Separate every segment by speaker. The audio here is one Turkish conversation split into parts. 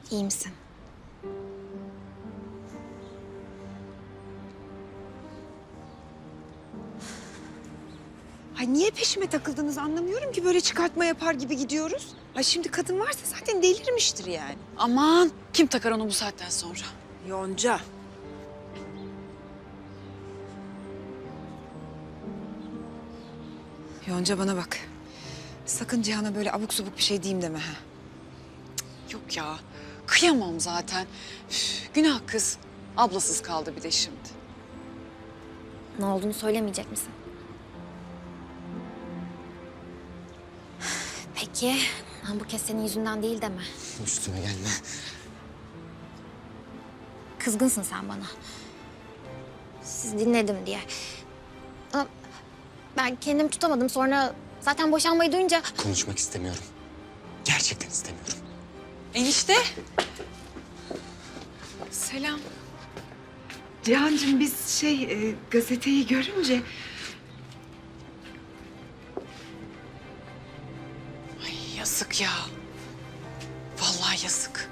Speaker 1: İyi misin?
Speaker 2: Ay niye peşime takıldınız anlamıyorum ki, böyle çıkartma yapar gibi gidiyoruz. Ay şimdi kadın varsa zaten delirmiştir yani.
Speaker 3: Aman kim takar onu bu saatten sonra?
Speaker 2: Yonca. Yonca bana bak. Sakın Cihan'a böyle abuk subuk bir şey diyeyim deme ha.
Speaker 3: Yok ya kıyamam zaten. Üf, günah kız. Ablasız kaldı bir de şimdi.
Speaker 1: Ne olduğunu söylemeyecek misin? Peki, bu kez senin yüzünden değil deme.
Speaker 4: Üstüme gelme.
Speaker 1: Kızgınsın sen bana. Siz dinledim diye. Ama ben kendimi tutamadım, sonra zaten boşanmayı duyunca...
Speaker 4: Konuşmak istemiyorum. Gerçekten istemiyorum.
Speaker 3: Enişte. Selam.
Speaker 2: Cihan'cığım biz gazeteyi görünce...
Speaker 3: Ay yazık ya. Vallahi yazık.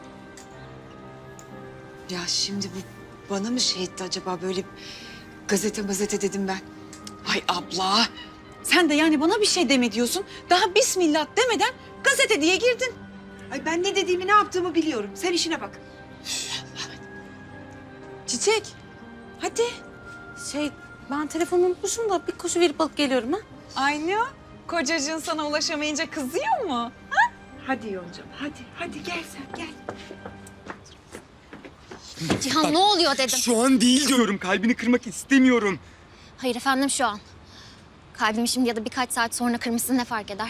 Speaker 2: Ya şimdi bu bana mı şey etti acaba, böyle gazete dedim ben.
Speaker 3: Ay abla. Sen de yani bana bir şey deme diyorsun. Daha bismillah demeden gazete diye girdin.
Speaker 2: Ay ben ne dediğimi, ne yaptığımı biliyorum. Sen işine bak.
Speaker 3: Çiçek. Hadi.
Speaker 5: Ben telefonumu unutmuşum da bir koşu verip alıp geliyorum ha.
Speaker 3: Aynı. Kocacığın sana ulaşamayınca kızıyor mu?
Speaker 2: Hadi Yoncam, hadi gel sen gel.
Speaker 1: Cihan ne oluyor dedim.
Speaker 4: Şu an değil diyorum. Kalbini kırmak istemiyorum.
Speaker 1: Hayır efendim, şu an. Kalbimi şimdi ya da birkaç saat sonra kırmışsın, ne fark eder?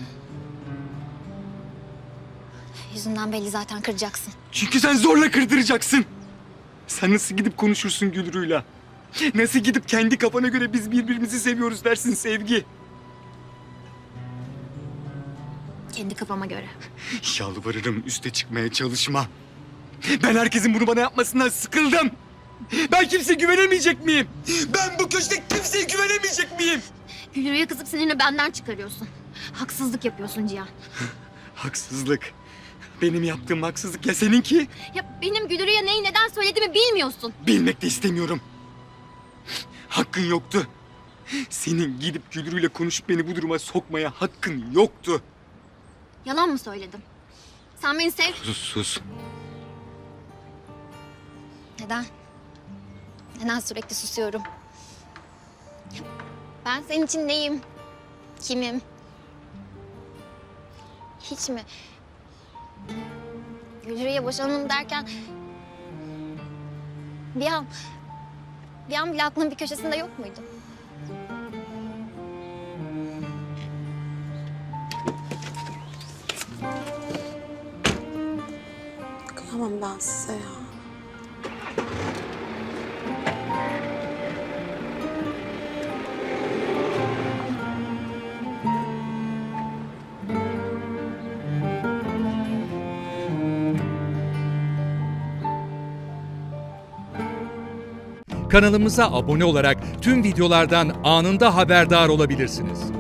Speaker 1: Yüzünden belli, zaten kıracaksın.
Speaker 4: Çünkü sen zorla kırdıracaksın. Sen nasıl gidip konuşursun Gülru'yla? Nasıl gidip kendi kafana göre biz birbirimizi seviyoruz dersin Sevgi?
Speaker 1: Kendi kafama göre.
Speaker 4: Yalvarırım, üste çıkmaya çalışma. Ben herkesin bunu bana yapmasından sıkıldım. Ben kimseye güvenemeyecek miyim? Ben bu köşede kimseye güvenemeyecek miyim?
Speaker 1: Gülürü'ye kızıp sinirini benden çıkarıyorsun. Haksızlık yapıyorsun Cihan.
Speaker 4: Haksızlık. Benim yaptığım haksızlık ya seninki?
Speaker 1: Ya benim Gülürü'ye neyi neden söylediğimi bilmiyorsun.
Speaker 4: Bilmek de istemiyorum. Hakkın yoktu. Senin gidip Gülru'yla konuşup beni bu duruma sokmaya hakkın yoktu.
Speaker 1: Yalan mı söyledim? Sen beni sev...
Speaker 4: Sus.
Speaker 1: Neden? Neden sürekli susuyorum? Ben senin için neyim? Kimim? Hiç mi? Gülürü'ye boşanalım derken... Bir an bile aklının bir köşesinde yok muydu?
Speaker 5: Kıyamam ben size ya.
Speaker 6: Kanalımıza abone olarak tüm videolardan anında haberdar olabilirsiniz.